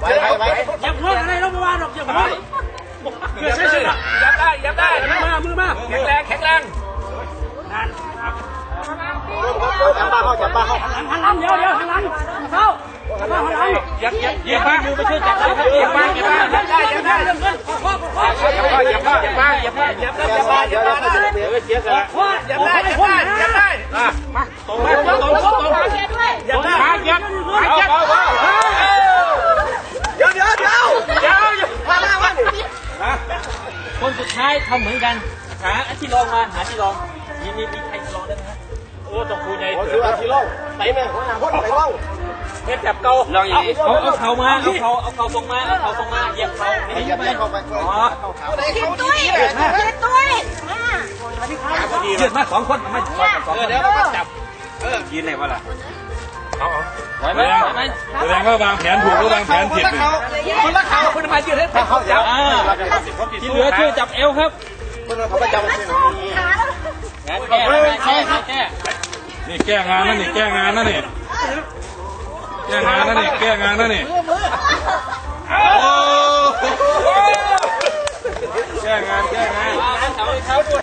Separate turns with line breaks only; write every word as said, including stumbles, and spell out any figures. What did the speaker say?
ไปไปไปยับหัวอะไรเราไม่ว่าหรอกยับหัวเกิดใช่ใช่ยับได้ยับได้มือมามือมาแข็งแรงแข็งแรงนั่นจับป้าเขาจับป้าเขาหันหลังเดี๋ยวเดี๋ยวหันหลังเขาหันหลังหันหลังยับยับยับป้ามือไปช่วยจับได้ยับป้ายับป้ายับได้ยับได้เรื่องเงินพ่อพ่อยับป้ายับป้ายับป้ายับป้ายับได้ยับป้ายับได้เดี๋ยวเสียกันพ่อยับได้ยับได้ยับได้มาตรงมาตรงตรงตรงยับได้ยับยับเดี๋ยวเดี๋ยวเดี๋ยวเดี๋ยวมาหน้ามันคนสุดท้ายทำเหมือนกันหาที่รองมาหาที่รองมีมีมีใครที่รองได้ไหมโอ้ต้องคุยใหญ่ถือว่าที่รองไปไหมหัวหน้าคนไปรองเฮ็ดจับเก่าลองอย่างนี้เอาเอาเข่ามาเอาเข่าเอาเข่าตรงมาเอาเข่าตรงมาเหยียบเข่าเหยียบเข้าไปอ๋อคิดตุ้ยคิดตุ้ยมายืดมาสองคนมาสองคนเดี๋ยวเราก็จับเออยืนไหนวะล่ะเอาเอาไหวไหมไหวไหมแสดงว่าวางแผนถูกหรือวางแผนผิดคนละเขาคนละมายืนให้เขาจับที่เหลือช่วยจับเอวครับเขาไปจับแก้แก้แก้นี่แก้งานนั่นนี่แก้งานนั่นนี่แก้งานนั่นนี่แก้งานนั่นนี่